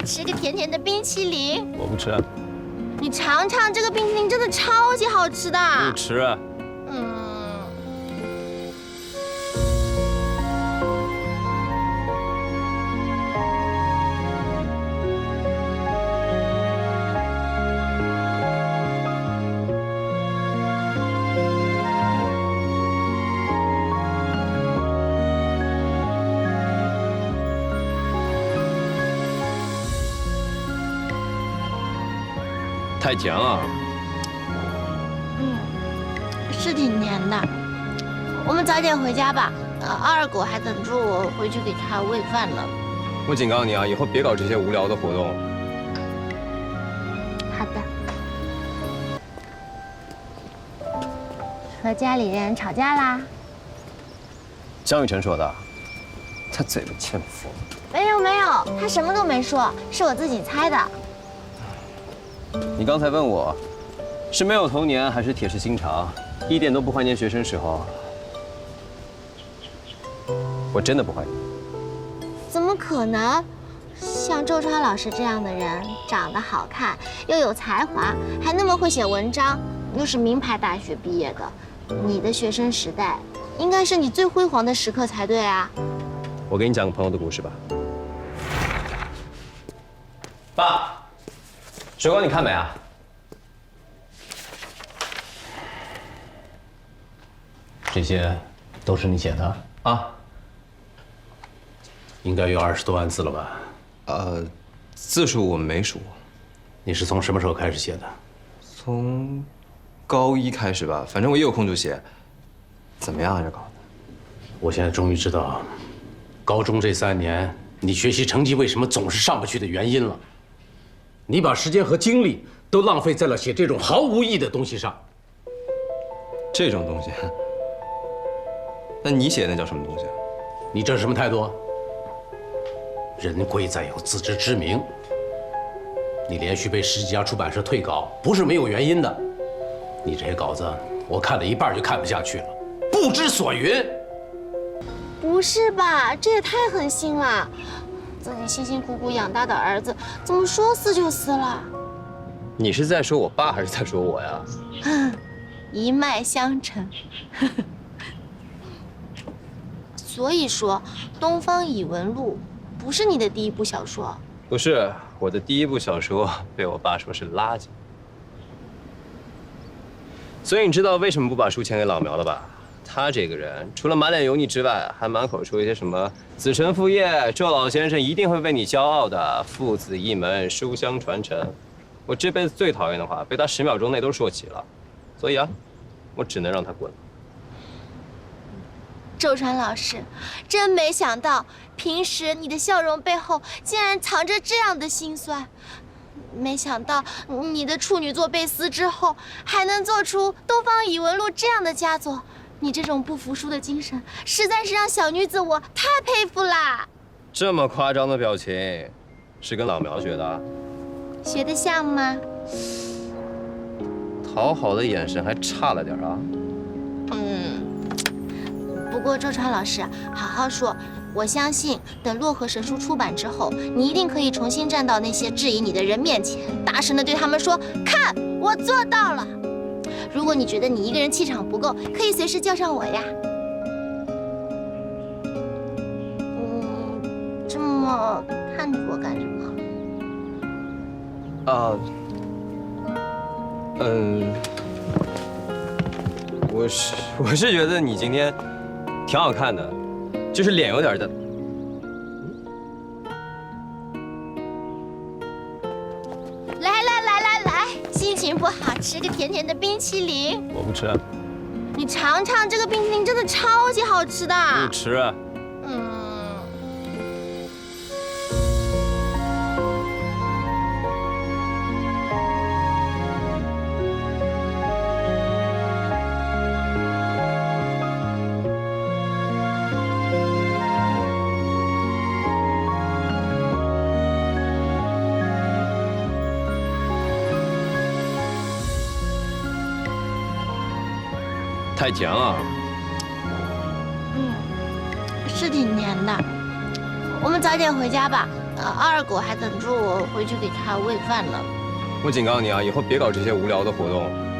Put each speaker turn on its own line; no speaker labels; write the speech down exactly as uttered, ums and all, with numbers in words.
吃个甜甜的冰淇淋。
我不吃。
你尝尝这个冰淇淋，真的超级好吃的。
不吃。
嗯。
太甜了。
嗯，是挺甜的。我们早点回家吧。呃，二狗还等着我回去给他喂饭呢。
我警告你啊，以后别搞这些无聊的活动。
好的。和家里人吵架啦？
江雨晨说的，他嘴巴欠佛。
没有没有，他什么都没说，是我自己猜的。
你刚才问我，是没有童年还是铁石心肠，一点都不怀念学生时候。我真的不怀念。
怎么可能？像周川老师这样的人，长得好看，又有才华，还那么会写文章，又是名牌大学毕业的，你的学生时代应该是你最辉煌的时刻才对啊！
我给你讲个朋友的故事吧。爸。 水果你看没啊？
这些都是你写的
啊？
应该有二十多万字了吧？
呃，字数我没数。
你是从什么时候开始写的？
从高一开始吧，反正我一有空就写。怎么样啊，这搞的？
我现在终于知道，高中这三年你学习成绩为什么总是上不去的原因了。 你把时间和精力都浪费在了写这种毫无意义的东西上。
这种东西，那你写的那叫什么东西？
你这是什么态度？人贵在有自知之明。你连续被十几家出版社退稿，不是没有原因的。你这些稿子，我看了一半就看不下去了，不知所云。
不是吧？这也太狠心了！ 自己辛辛苦苦养大的儿子，怎么说撕就撕了？
你是在说我爸还是在说我呀？
一脉相承。所以说，《东方异闻录》不是你的第一部小说。
不是，我的第一部小说被我爸说是垃圾。所以你知道为什么不把书签给老苗了吧？ 他这个人除了满脸油腻之外，还满口说一些什么“子承父业，周老先生一定会为你骄傲的，父子一门，书香传承”。我这辈子最讨厌的话，被他十秒钟内都说齐了，所以啊，我只能让他滚了。
周川老师，真没想到，平时你的笑容背后竟然藏着这样的辛酸。没想到你的处女作被撕之后，还能做出《东方异闻录》这样的佳作。 你这种不服输的精神，实在是让小女子我太佩服啦！
这么夸张的表情，是跟老苗学的？
学得像吗？
讨好的眼神还差了点啊。
嗯，不过周川老师，好好说，我相信等《洛河神书》出版之后，你一定可以重新站到那些质疑你的人面前，大声地对他们说：“看，我做到了！” 如果你觉得你一个人气场不够，可以随时叫上我呀。嗯，这么看着我干什么？
啊，嗯，我是我是觉得你今天挺好看的，就是脸有点的。
来来来来来，心情不好，吃个甜甜的冰淇淋。
我不吃。
你尝尝这个冰淇淋，真的超级好吃的。
不吃。
嗯。
太甜了。
嗯，是挺甜的。我们早点回家吧。 二狗还等着我回去给它喂饭呢。
我警告你啊，以后别搞这些无聊的活动。